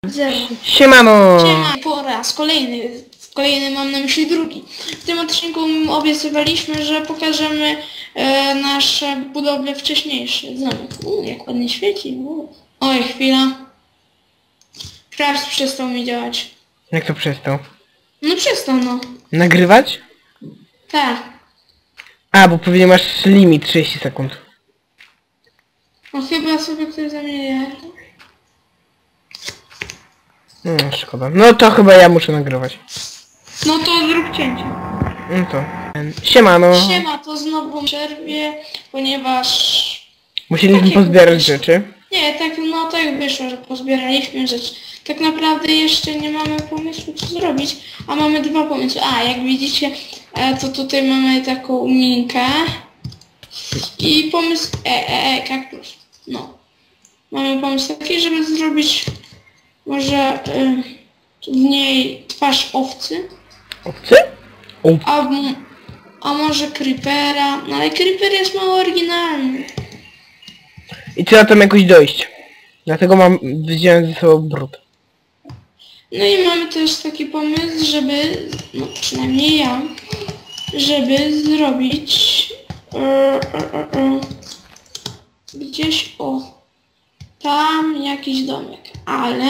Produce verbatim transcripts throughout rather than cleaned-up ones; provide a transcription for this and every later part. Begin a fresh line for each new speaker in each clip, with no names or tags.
Zero.
Siemano!
Siema, po raz kolejny, kolejny mam na myśli drugi. W tym odcinku obiecywaliśmy, że pokażemy e, nasze budowle wcześniejsze. Zamek. U, jak ładnie świeci. U. Oj, chwila. Craft przestał mi działać.
Jak to przestał?
No przestał, no.
Nagrywać?
Tak.
A, bo pewnie masz limit trzydzieści sekund.
No chyba sobie ktoś zamienia.
No, szkoda. No to chyba ja muszę nagrywać.
No to zrób cięcie.
No to... Siemano!
Siema, to znowu przerwie, ponieważ...
Musieliśmy
Takie
pozbierać
wyszło.
rzeczy.
Nie, tak no tak wyszło, że pozbieraliśmy rzeczy. Tak naprawdę jeszcze nie mamy pomysłu co zrobić, a mamy dwa pomysły. A, jak widzicie, e, to tutaj mamy taką minkę i pomysł... E, e, e, kaktus. No. Mamy pomysł taki, żeby zrobić może e, w niej twarz owcy,
Obcy? O,
a, m- a może creepera, no ale creeper jest mało oryginalny.
I trzeba tam jakoś dojść. Dlatego mam... wziąłem ze sobą brud.
No i mamy też taki pomysł, żeby, no przynajmniej ja, żeby zrobić e, e, e, e, gdzieś o tam jakiś domek, ale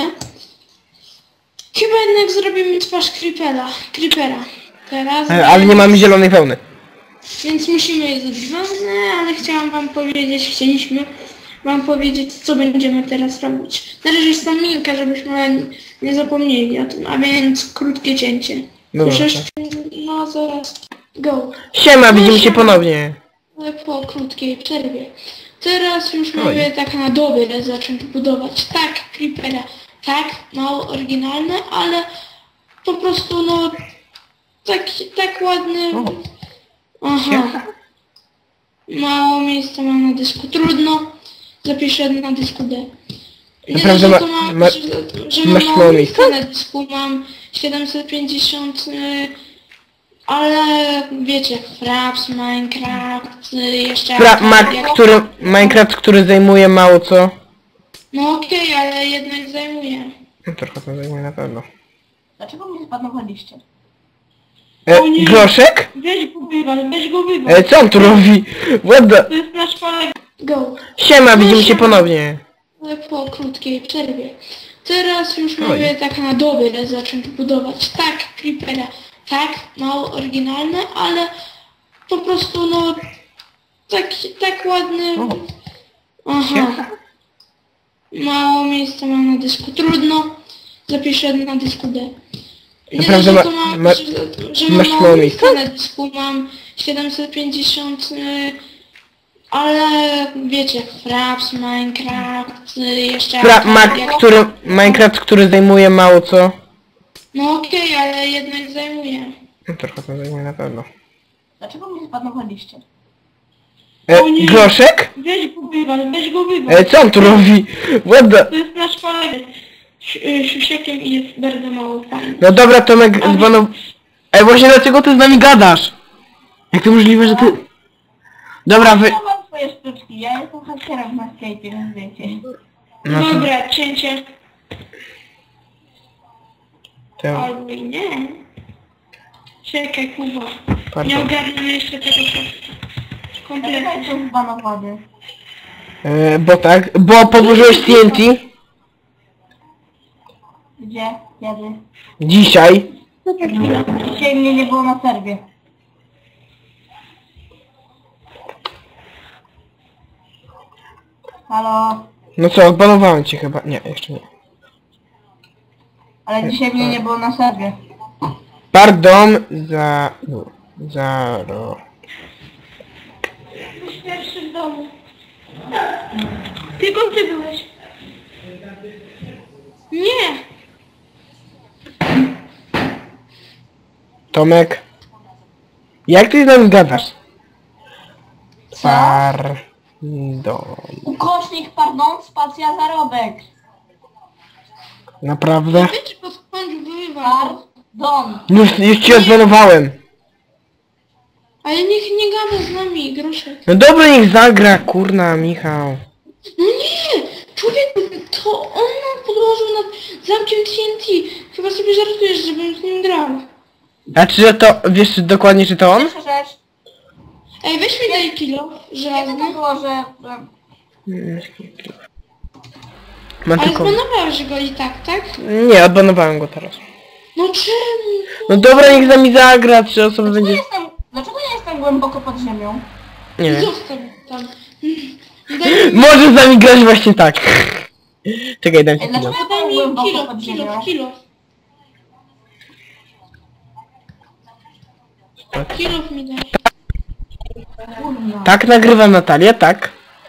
chyba jednak zrobimy twarz creepera, creepera. Teraz,
E, ale nie mamy zielonej wełny.
więc musimy je zrobić wełnę, ale chciałam wam powiedzieć, chcieliśmy wam powiedzieć, co będziemy teraz robić. Na razie jest tam minka, żebyśmy nie zapomnieli o tym, a więc krótkie cięcie.
Dobra,
Już
tak.
no zaraz, go.
Siema, widzimy się
siema.
ponownie.
Ale po krótkiej przerwie. Teraz już
Oj.
mówię tak na dobre zacząć budować. Tak, creepera, tak, mało oryginalne, ale po prostu no tak, tak ładny.
O.
Aha. Mało miejsca mam na dysku. Trudno. Zapiszę na dysku D. Nie
Naprawdę
dość,
ma-
że to mam,
ma-
że, że mam
masz
mało
mało
miejsca
miejsca?
na dysku. Mam siedemset pięćdziesiąt, y, ale wiecie, Fraps, Minecraft, y, jeszcze...
Fra
jak-
ma
jak-
który, Minecraft, który zajmuje mało co.
No okej, ale jednak zajmuje.
No trochę to zajmuje na pewno.
Dlaczego mnie zbanowaliście?
E,
O nie.
Groszek?
Weź go wywal, weź go wywal.
E, co on tu robi? What the...
To jest nasz kolega. Go.
Siema, widzimy się
siema.
ponownie.
Ale po krótkiej przerwie. Teraz już
Oj.
mówię tak na dobre zacząć budować. Tak, creepera, tak, mało oryginalne, ale po prostu no tak, tak ładny.
O.
Aha. Mało miejsca mam na dysku. Trudno. Zapiszę na dysku D. Nie
Naprawdę
dość, że
ma-
to mam,
ma-
że, że mam
masz
mało
mało
miejsca
miejsca?
na dysku. Mam siedemset pięćdziesiąt, y, ale wiecie, Fraps, Minecraft, y, jeszcze...
Fra ma
jak-
który, Minecraft, który zajmuje mało co.
No okej, ale jednak zajmuje.
No trochę to zajmuje na pewno.
Dlaczego mnie zbanowaliście?
E,
O nie.
Groszek?
Weź go wywal, weź go wywal.
E, co on tu robi? What the...
To jest nasz kolega. Siusiekiem i jest bardzo mało fajny.
No dobra, Tomek zbanow... Ej, właśnie dlaczego ty z nami gadasz? Jak to możliwe, że ty... Dobra, wy...
Ja mam swoje sztuczki, ja jestem hakerem na Skype'ie, więc wiecie.
No to...
Dobra, cięcie.
to...
Albo i nie. Czekaj, Kuba. Nie
Pardon.
ogarnę jeszcze tego prosto.
Dlaczego
Kompletnie.
jestem zbanowany?
E, bo tak, bo podłożyłeś T N T
Gdzie? Kiedy?
dzisiaj.
Dzisiaj mnie nie było na serwie. Halo?
No co, odbanowałem cię chyba. Nie, jeszcze nie.
Ale dzisiaj mnie nie było na serwie.
Pardon za... Zaro...
Jesteś pierwszy w domu. Tylko ty byłeś. Nie.
Tomek. Jak ty z nami gadasz?
Co?
Pardon.
Ukośnik, pardon, spacja, zarobek.
Naprawdę?
Wiecie, pod skąd wywal.
Pardon.
Już, już cię odbanowałem.
Ale niech nie gada z nami, Groszek.
No dobra, niech zagra, kurna, Michał.
No nie! Człowieku, to on nam podłożył nad zamkiem T N T. Chyba sobie żartujesz, żebym z nim grał.
A czy że to, wiesz dokładnie, czy to on?
Pierwsza rzecz.
Ej, weź mi daj kilo,
Kiedy
żelazny.
to było, że... że-
Mam
Ale
tylko...
zbanowałeś go i tak, tak?
Nie, odbanowałem go teraz.
No czemu?
No dobra, niech z nami zagra, trzy osoby
Dlaczego
będzie...
jestem... Dlaczego ja jestem głęboko pod ziemią?
Nie wiem.
Zostaw tam. Daj mi,
Może z nami grać właśnie tak. Czekaj, dam ci
Ej,
chwilę.
dlaczego ja
daj
byłem
mi
głęboko
kilo,
pod
kilo,
ziemią?
kilo. Kilo mi daj.
Kurwa.
Tak, nagrywam Natalia, tak.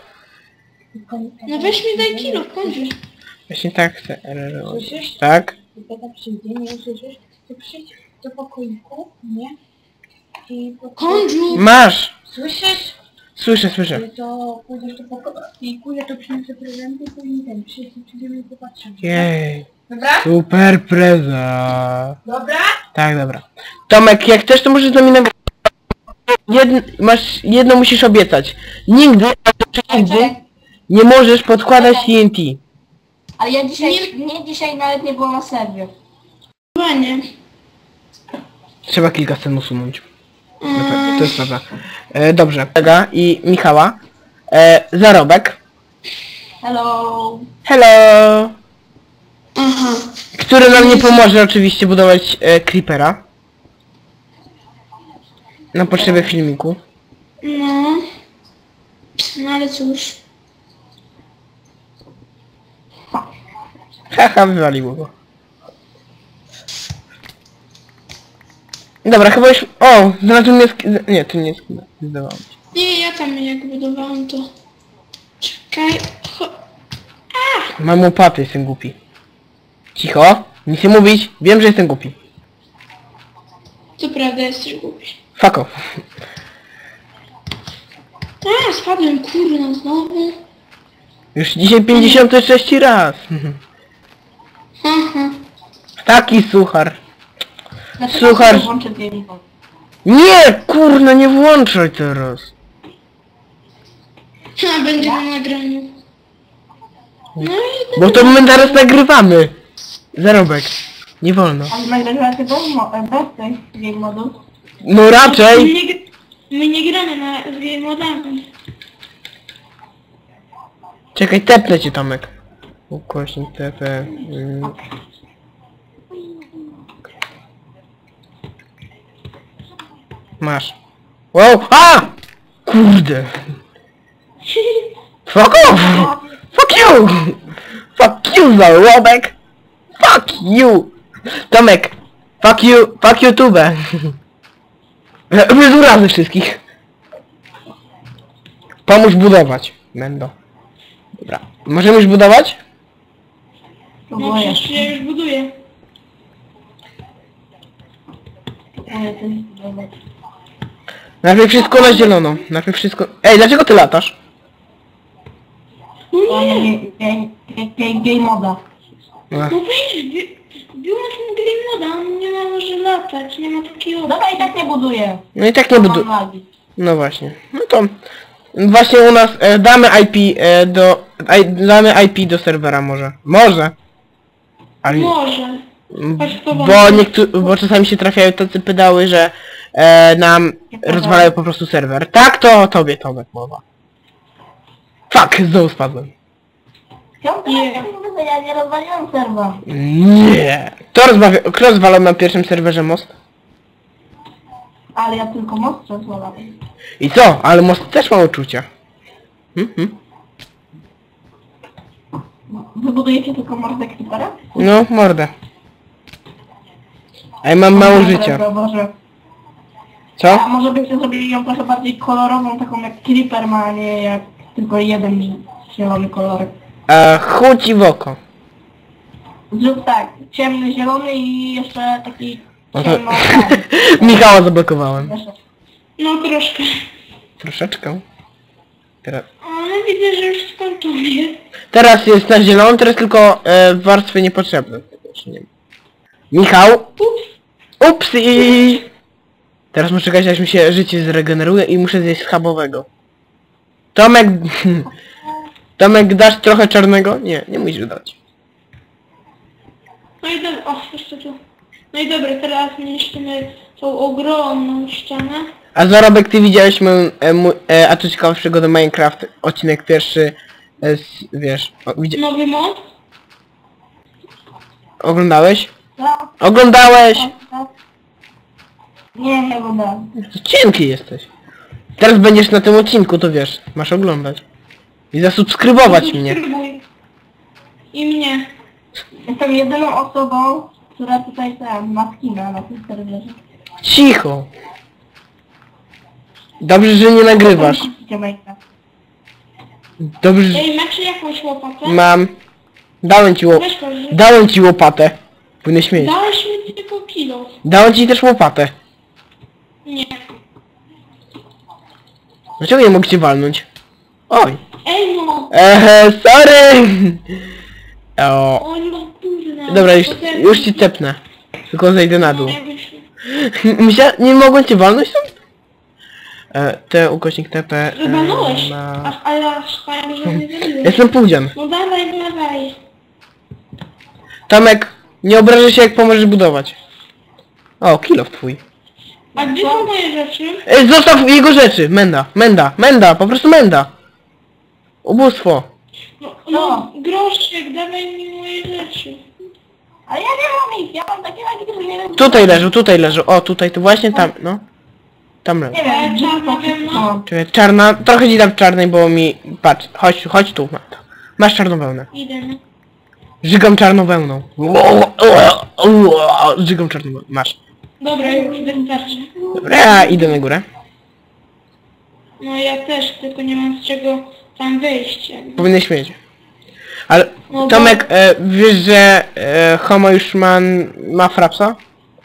No weź mi daj kilo, w końcu.
Właśnie tak chcę. Tak.
Tata przyjdzie, nie usłyszysz, to przyjdź do pokoiku, nie? I po
Kądziu!
Masz!
Słyszysz?
Słyszę, słyszę.
To pójdziesz do pokoiku, ja to przyniosę prezenty, później ten, przyjdzie, przyjdziemy i popatrzymy.
Jej.
Dobra?
Super preza.
Dobra?
Tak, dobra. Tomek, jak chcesz, to możesz z nami nagrać. Jedn, masz, jedno musisz obiecać. Nigdy, ale nigdy nie możesz podkładać T N T.
Ale ja dzisiaj... Nie, dzisiaj nawet nie było na serwie.
Chyba nie.
Trzeba kilka scen usunąć. Dobra, to jest prawda. E, dobrze. Kolega i Michała. E, zarobek.
Hello.
Hello!
Aha.
Który nam nie pomoże oczywiście budować e, creepera. Na potrzeby filmiku.
No. No ale cóż.
Haha, wywaliło go. Dobra, chyba już... O! Znalazłem nie... sk- Nie, to nie jest... Zdawało mi się.
Nie, ja tam jak budowałam to. Czekaj. Cho...
Mam łopatę, jestem głupi. Cicho! Nic nie mówić! Wiem, że jestem głupi.
To prawda, jesteś głupi.
Fuck off.
A, spadłem, kurna, znowu.
Już dzisiaj pięćdziesiąty trzeci raz.
Aha.
Taki suchar.
Dlaczego
Słuchaj.
ja włączę game?
Nie! Kurna, nie włączaj teraz.
A, będzie na nagraniu. No i
Bo to my teraz nagrywamy. Zarobek. Nie wolno.
Ale nagrywacie bez, mo- bez tej game modu?
No
My
raczej.
nie, gr- my nie gramy na z game modami.
Czekaj, tepnę cię, Tomek. Ukośnik T P. Mm. Masz. Wow! A! Kurde. Fuck off! Fuck you! Fuck you, zarobek! Fuck you! Tomek! Fuck you! Fuck YouTube! Wyzurazy wszystkich. Pomóż budować. Będą. Dobra. Możemy już budować?
No
Próbuję.
przecież ja już buduję.
Ale to jest dobre.
Najpierw wszystko na zielono. Najpierw wszystko... Ej, dlaczego ty latasz?
No
To
nie,
nie game, game, game moda.
Ach.
no weź, bi- bił na tym game moda, on nie ma może latać, nie ma takiej opcji.
Dobra, i tak nie buduję.
No i tak nie budu...
Mam lagi.
No właśnie. No to... Właśnie u nas e, damy I P e, do... I, damy I P do serwera może. Może. Ale...
Może. Chodź po
Bo niektórzy... Bo czasami się trafiają tacy pedały, że e, nam rozwalają po prostu serwer. Tak, to tobie, Tomek, mowa. Fuck, znowu spadłem.
Chciałbym
Nie.
teraz nie ja nie rozwaliłem serwa.
Nie. Kto rozmawia... Kto rozwalał na pierwszym serwerze most?
Ale ja tylko most rozwalałem.
I co? Ale most też ma uczucia. Hmm, hmm.
Wybudujecie tylko mordę creepera?
No, mordę. A ja mam mało życia.
Dobra, Boże.
Co?
A może byście zrobili ją trochę bardziej kolorową, taką jak creeper ma, a nie jak tylko jeden zielony kolorek.
E, chuci w oko.
Zrób tak, ciemny zielony i jeszcze taki
No to...
ciemno
Michała zablokowałem.
No troszkę.
Troszeczkę. Teraz...
Ale widzę, że już skończony.
Teraz jest na zielono, teraz tylko e, warstwy niepotrzebne. Tego jeszcze nie ma. Michał!
Ups.
Upsi! Teraz muszę czekać, aż mi się życie zregeneruje i muszę zjeść schabowego. Tomek... Tomek, dasz trochę czarnego? Nie, nie musisz dać.
i dobra, o, jeszcze tu. No i dobra, teraz niszczymy tą ogromną ścianę.
A Zarobek, ty widziałeś mój, e, mój e, a tu ciekawa przygoda Minecraft, odcinek pierwszy, e, z, wiesz, o, widzi
Nowy mod.
oglądałeś?
Tak,
Oglądałeś!
tak, tak. Nie, nie oglądałem.
Cienki jesteś. Teraz będziesz na tym odcinku, to wiesz, masz oglądać. I zasubskrybować mnie.
Subskrybuj. I mnie.
Jestem jedyną osobą, która tutaj tam ma skina na tym serwerze.
Cicho! Dobrze, że nie nagrywasz.
Kupicie Minecraft.
Dobrze, że...
Ej, macie jakąś łopatę?
Mam... Dałem ci, ło...
Weź to, że...
Dałem ci łopatę. Powinieneś mieć.
Dałeś mi tylko kilo.
Dałem ci też łopatę.
Nie.
Dlaczego nie mogę cię walnąć? Oj.
Ej no!
Ehe, sorry! O.
O no kurna.
Dobra, już,
To też-
już ci tepnę. Tylko zejdę na dół.
No, jakbyś-
Myśla... Nie mogłem cię walnąć stąd? E, T ukośnik T P... e,
Wybanąłeś.
na-
Aż, ale aż fajnie, że nie zabiłeś.
Jestem półdzian.
No dawaj, dawaj.
Tomek, nie obrażaj się jak pomożesz budować. O, kilof twój.
A gdzie są moje rzeczy?
E, zostaw jego rzeczy! Menda, menda, menda, po prostu menda! Ubóstwo.
No, no groszek, dawaj mi moje rzeczy.
Ale ja nie mam ich, ja mam takie lagi, że nie wiem...
Tutaj leżą, tutaj leżą. O, tutaj, to właśnie tam, no. Tam leżą.
Nie wiem, gdzie
Czarna
to wszystko
wełna?
mam.
Czekaj, czarna, trochę ci dam czarnej, bo mi... Patrz, chodź, chodź tu. Masz czarną wełnę.
Idę, no.
Żygam czarną wełną. Żygam czarną wełną. Masz.
Dobra, już wystarczy.
Dobra, ja idę na górę.
No ja też, tylko nie mam z czego tam wyjść. jakby.
Powinieneś mieć. Ale,
No bo-
Tomek, e, wiesz, że e, Homo już ma, ma frapsa?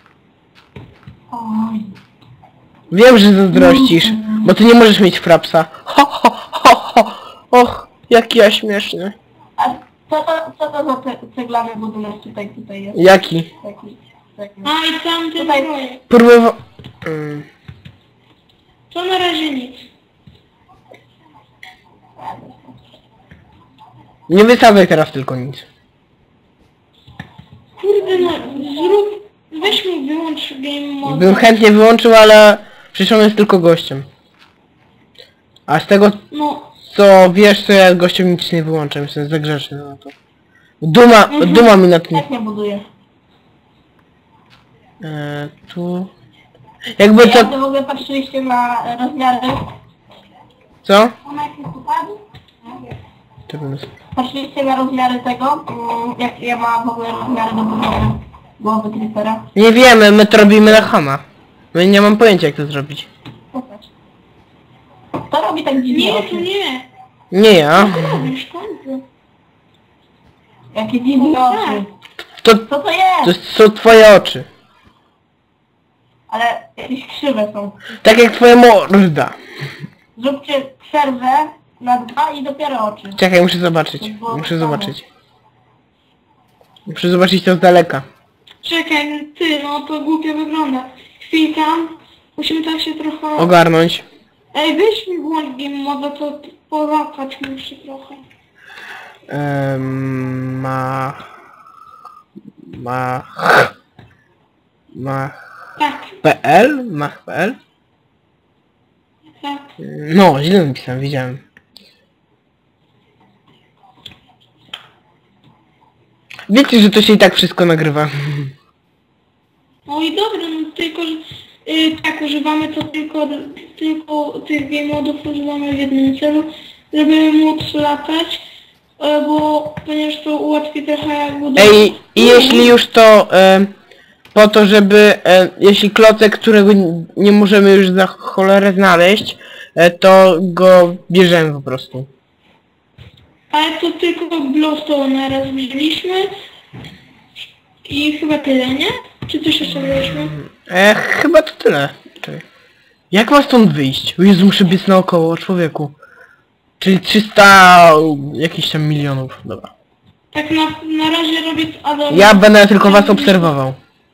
Oj.
Wiem, że zazdrościsz, bo ty nie możesz mieć frapsa. Ho, ho, ho, ho. Och, jaki ja śmieszny.
A co to, co to za ce ceglany budynek tutaj, tutaj jest?
Jaki?
Taki, taki.
A i tam ten
Tutaj-
projekt.
Próbował... Mm.
To na razie nic.
Nie wysadzaj teraz tylko nic.
Kurde no, zrób... Weź mu wyłącz game mode.
Bym chętnie wyłączył, ale przecież on jest tylko gościem. A z tego
No,
co wiesz, to ja gościem nic nie wyłączam, jestem za grzeczny na to. Duma,
Mhm.
duma mi na tym.
Jak nie buduję?
E, tu... Jakby
Ja
to...
w ogóle patrzyliście na rozmiary...
Co?
Ona jak jest upadł?
To bym...
Patrzyliście na rozmiary tego? Mm, Jak ja ma w ogóle rozmiary do budowy głowy creepera?
Nie wiemy, my to robimy na chama. No i nie mam pojęcia jak to zrobić.
Popatrz. To robi tak dziwnie
nie, to
oczy.
nie.
Nie ja.
Robisz końcu.
Jakie dziwne
Tak.
oczy.
To,
Co to
to
jest?
jest- są twoje oczy.
Ale jakieś krzywe są.
Tak jak twoja morda.
Zróbcie przerwę na dwa i dopiero oczy.
Czekaj, muszę zobaczyć. Muszę zobaczyć. Muszę zobaczyć to z daleka.
Czekaj, ty, no to głupio wygląda. Chwilka. Musimy tak się trochę...
Ogarnąć.
Ej, weź mi włącz game mode, to połapać muszę trochę.
Ehm, ma... Ma... Ma...
Tak,
PL? Mach.pl?
tak.
No, źle napisałem, widziałem. Wiecie, że to się i tak wszystko nagrywa.
No i dobra, no tylko, że y, tak używamy to tylko, tylko tych game modów używamy w jednym celu, żeby móc latać, y, bo ponieważ to ułatwi trochę jak budować.
Ej, i jeśli już to e, po to, żeby e, jeśli klocek, którego n- nie możemy już za cholerę znaleźć, e, to go bierzemy po prostu.
Ale to tylko glowstone na raz wzięliśmy i chyba tyle, nie? Czy coś jeszcze wzięliśmy?
E, chyba to tyle. Czekaj. Jak mam stąd wyjść? O Jezu, muszę biec naokoło, człowieku. Czyli trzysta jakichś tam milionów, dobra.
Tak na, na razie robię... A dobra.
Ja będę tylko was obserwował.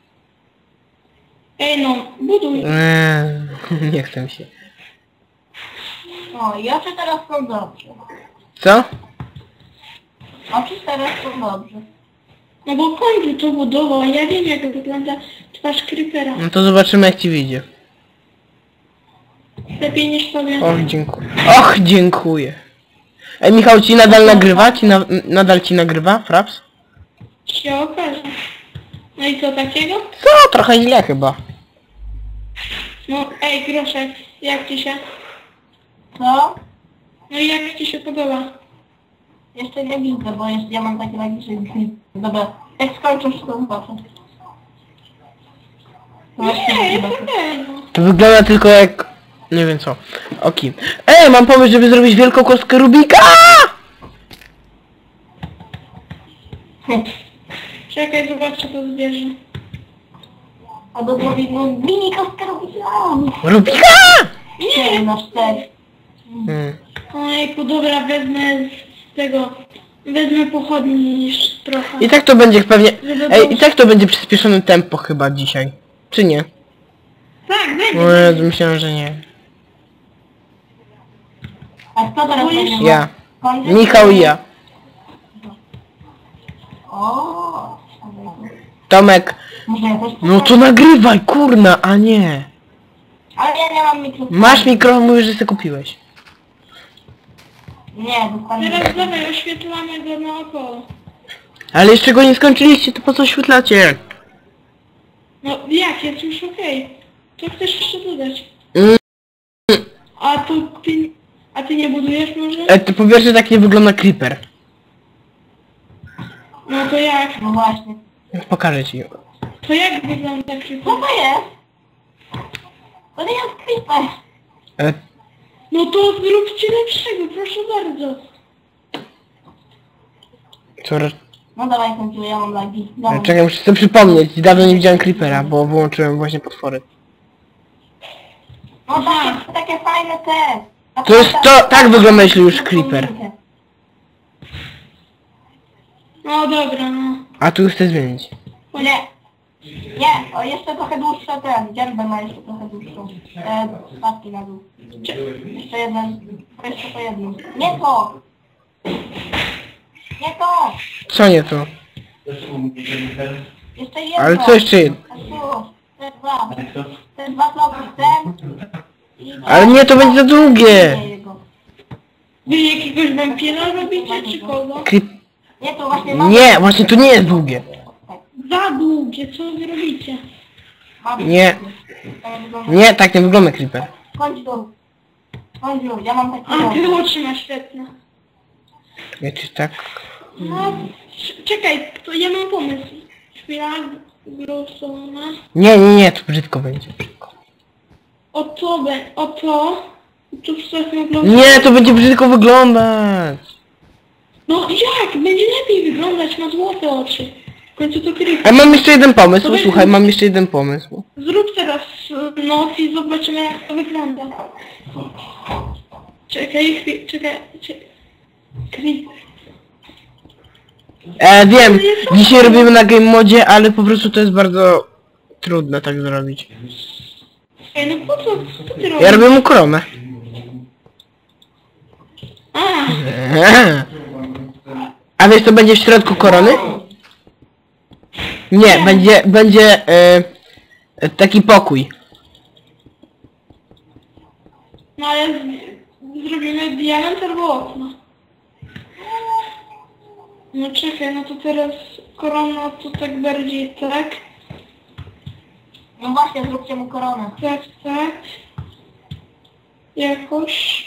Ej no, buduj.
Eee, nie chcę mi się.
No i oczy teraz są dobrze.
Co?
Oczy teraz są dobrze.
No bo kończy to budowa, ja wiem jak wygląda twarz creepera.
No to zobaczymy jak ci wyjdzie.
Lepiej niż powiem.
Och, dziękuję. Och, dziękuję. Ej, Michał, ci nadal nagrywa? Ci na, nadal ci nagrywa, Fraps?
Się okaże. No i co takiego?
Co? Trochę źle chyba.
No ej Groszek, jak ci się?
Co?
No i jak ci się podoba?
Jeszcze nie widzę, bo jeszcze ja mam takie lagi, że już nie... Dobra, jak skończysz to zobaczę. No właśnie
Nie,
zobaczę.
okej. No.
To wygląda tylko jak... Nie wiem co. Oki. Ej, mam pomysł, żeby zrobić wielką kostkę Rubika!
Czekaj, zobaczę to zbierze.
Albo zrobić no mini kostkę robiłam.
Rubika!
Nie, na cztery.
Hmm.
Ojku, dobra, wezmę z tego... Wezmę pochodni niż trochę.
I tak to będzie pewnie...
Żeby
Ej,
było-
i tak to będzie przyspieszone tempo chyba dzisiaj. Czy nie?
Tak,
O
będzie.
Jezu, myślałem, że nie.
A kto teraz
Boisz
będzie?
Ja.
Kończy?
Michał i ja.
O.
Tomek.
Może ja też...
No to nagrywaj, kurna, a nie.
Ale ja nie mam mikrofonu.
Masz mikrofon, mówisz, że sobie kupiłeś.
Nie, dostaniesz.
Teraz dawaj, oświetlamy go naokoło.
Ale jeszcze go nie skończyliście, to po co oświetlacie?
No jak, jest już okej. Co chcesz jeszcze dodać?
Mm.
A to ty... A ty nie budujesz może?
E, to po pierwsze tak nie wygląda creeper.
No to jak?
No właśnie.
Pokażę ci.
To jak wygląda
Co
creeper?
to jest? To nie jest creeper.
E,
No to zróbcie lepszego, proszę bardzo.
co, e,
No dawaj kończymy, ja mam lagi. Dawaj.
czekaj, muszę sobie przypomnieć. Dawno nie widziałem creepera, bo wyłączyłem właśnie potwory.
No takie, takie fajne te. Na
To jest
przykład-
to- tak wygląda, jeśli już creeper.
No dobra, no.
A tu chcę zmienić.
Nie. Nie, o jeszcze trochę dłuższe ten. Dziębę ma jeszcze trochę dłuższą. E, spadki na dół. Jeszcze jeden. To jeszcze to jedno. Nie to! Nie to!
Co nie to?
Jeszcze jedno!
Ale co jeszcze jedno?
A tu, te dwa. Te dwa bloki, ten. I
Ale nie, to będzie za długie.
Nie, jego.
Wy jakiegoś wampira robicie, czy kogo?
Creep...
Nie, to właśnie mam.
Nie, właśnie to nie jest długie.
Tak,
Za długie, co wy robicie?
mam.
Nie.
Tak wygląda.
Nie, tak nie wygląda creeper.
Kończ dół. Kończ dół, ja mam taki
A,
dół.
ty oczy masz świetne.
Ja ci tak...
No, c- czekaj, to ja mam pomysł. Chwila, grosona.
Nie, nie, nie, to brzydko będzie. Brzydko.
O to, be- o to. Tu wstawmy glow.
Nie, to będzie brzydko wyglądać.
No jak? Będzie lepiej wyglądać, ma złote oczy. W końcu to creepy.
A mam jeszcze jeden pomysł,
To będzie-
słuchaj, mam jeszcze jeden pomysł.
Zrób teraz e, noc i zobaczymy jak to wygląda. Czekaj, chwilę, czekaj, czekaj. Creeper.
E, wiem, dzisiaj robimy na game modzie, ale po prostu to jest bardzo trudne tak zrobić.
Ej, no po co, co ty robisz?
Ja robię mu koronę.
A,
A wiesz co będzie w środku korony? Nie, będzie, będzie e, e, taki pokój.
no ale z, zrobimy diament albo okno. No czekaj, no to teraz korona to tak bardziej tak,
No właśnie, zróbcie mu koronę.
tak, tak. Jakoś.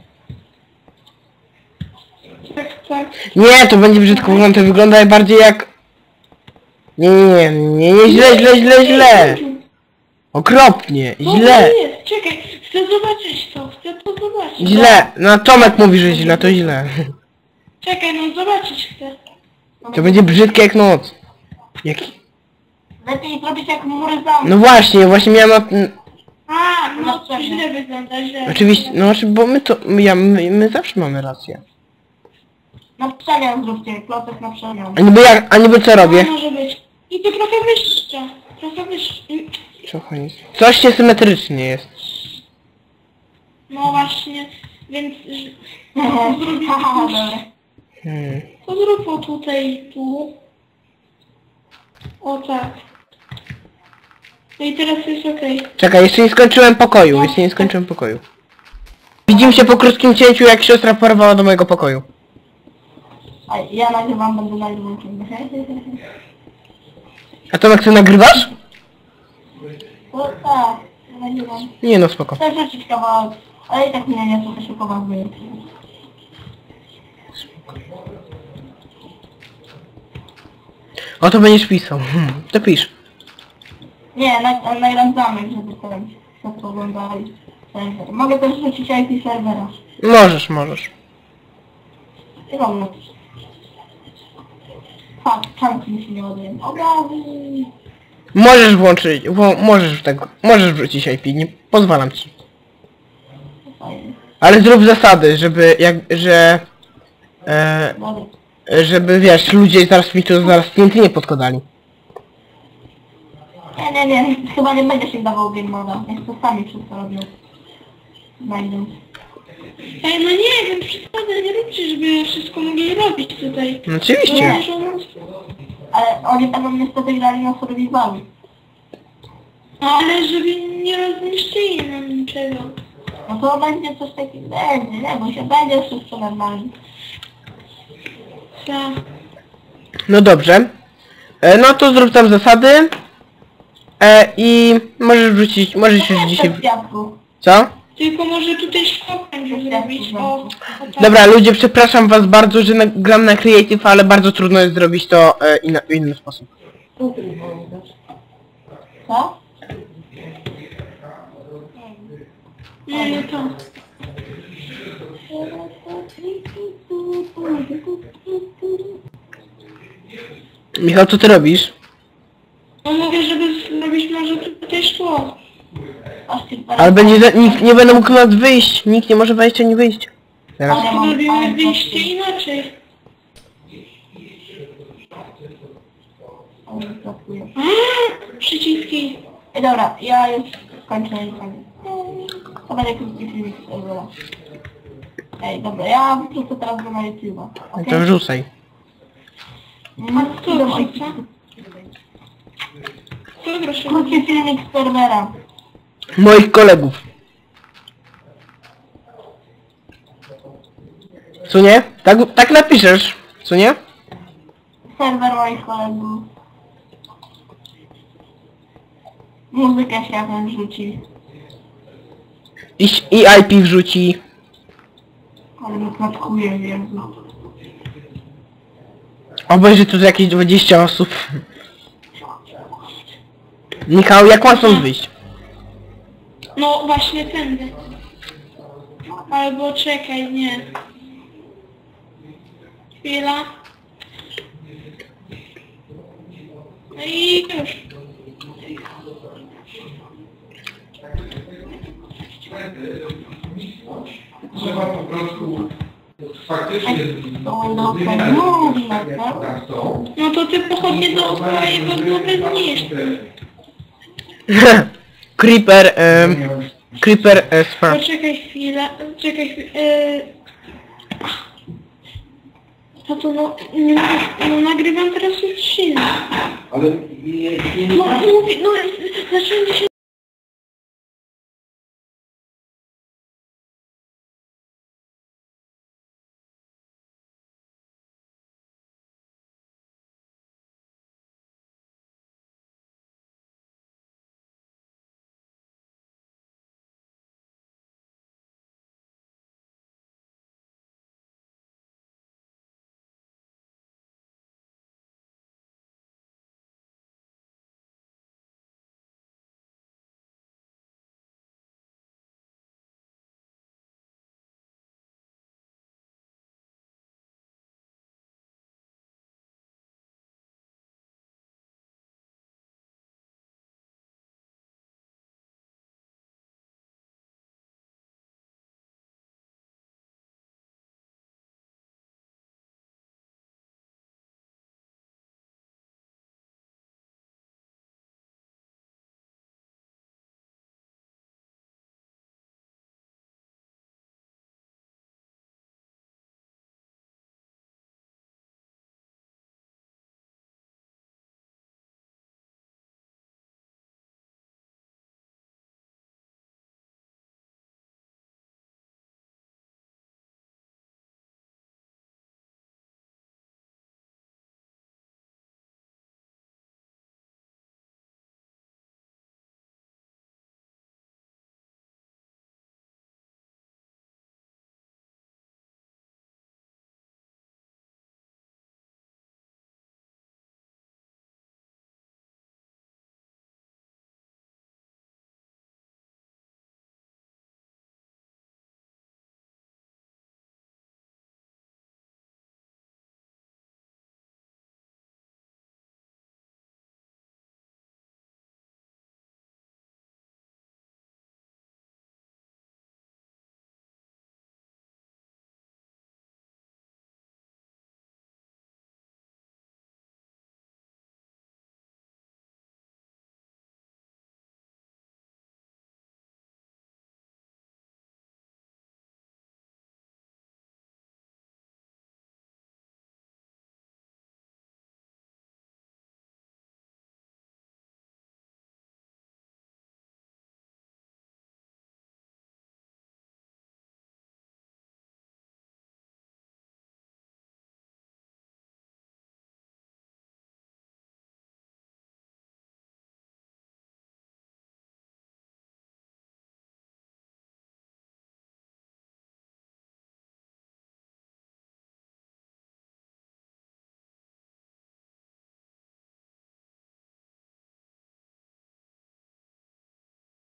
Tak, tak.
Nie, to będzie brzydko wyglądać, to wygląda bardziej jak... Nie, nie, nie, nie, nie, źle, źle, źle, źle. Okropnie,
Co
źle,
to jest? Czekaj, chcę zobaczyć to, chcę to zobaczyć.
źle. No Tomek mówi, że źle, to źle.
Czekaj, no zobaczyć chcę.
To będzie brzydkie jak noc. Jaki...
Lepiej zrobić jak mury zamku.
No właśnie, właśnie miałem... na-
A, no
No
to
pewnie.
źle wygląda, źle.
Oczywiście, no znaczy, bo my to... Ja, my, my zawsze mamy rację.
Na przemian zróbcie, klocek na przemian.
A niby jak, a niby co robię?
No, może być. I to trochę wyższe. Trochę wyższe.
Trochę nic. Coś niesymetrycznie jest.
No właśnie, więc...
Haha, dobra.
Hmm.
To zrób o tutaj i tu. O tak. No i teraz jest okej.
Czekaj, jeszcze nie skończyłem pokoju, jeszcze nie skończyłem pokoju. Widzimy się po krótkim cięciu, jak siostra porwała do mojego pokoju.
A ja nagrywam, będę nagrywał ciągle.
A Tomek, ty nagrywasz?
No tak, ja nagrywam.
Nie no, spoko.
Chcę rzucić kawałek, ale i tak mnie nie trochę się poważnie.
O, to będziesz pisał. Hmm, to pisz.
Nie, na, nagram zamek, żeby ten wszyscy oglądali serwer. Mogę też rzucić I P serwera.
Możesz, możesz.
I wolno. Tak, czanki mi się nie ładują. Obrazy!
Możesz włączyć, wo, możesz tego, możesz wrzucić I P, nie pozwalam ci.
Fajnie.
Ale zrób zasady, żeby jak, że... E,
Dobra.
żeby wiesz, ludzie zaraz mi tu zaraz klienty nie podkładali.
Nie, nie, nie, chyba nie będzie się dawał game moda. Niech to sami wszystko robią. Znajdą.
Ej, no nie wiem, przesady nie róbcie, żeby wszystko mogli robić tutaj.
No oczywiście.
Nie. Ale oni będą niestety grali na survivalu.
No ale żeby nie rozniszczyli nam niczego.
No to będzie coś takiego, będzie, nie, bo się będzie wszystko normalnie.
Tak.
No dobrze. E, no to zrób tam zasady. E, I możesz wrzucić, możesz już dzisiaj...
W piasku.
Co?
Tylko może tutaj szkołę zrobić. O, o tak.
Dobra, ludzie, przepraszam was bardzo, że na, gram na Creative, ale bardzo trudno jest zrobić to e, inna, w inny sposób.
Co?
Nie, nie to.
Michał, co ty robisz?
No mówię, żeby zrobić może tutaj szkło.
Ale będzie, za- nikt nie będę mógł nas wyjść, nikt nie może wejść ani wyjść. Teraz.
Ale mam-
Robimy
ale-
wyjście inaczej.
Ale pracuję.
A, przyciski.
Ej, dobra, ja już kończę i koniec. To będzie krótki filmik z serwera. Ej, dobra, ja wrzucę teraz go na YouTube'a.
No
okej?
to wrzucaj.
Mm,
A kto
idę
wrzuca?
ojciec.
To proszę.
Krótki filmik z serwera.
Moich kolegów. Co nie? Tak, tak napiszesz, co nie?
Serwer moich kolegów. Muzykę się jakąś rzuci.
I, i I P wrzuci.
Ale mnie klatkuje, Jezu.
Obejrzy tu jakieś dwadzieścia osób. Michał, jak mam stąd wyjść?
No właśnie tędy. Albo czekaj, nie. Chwila. No i już.
Trzeba po prostu faktycznie
To Windowsa mówi na to.
tak są.
No to ty pochodnie dookoła jego głowy zniszcz.
Creeper, em, Creeper e, spra...
Poczekaj chwilę, czekaj chwilę. Yy... No to no, nie, no nagrywam teraz odcinek.
Ale nie, nie,
No mówię, no zacząłem się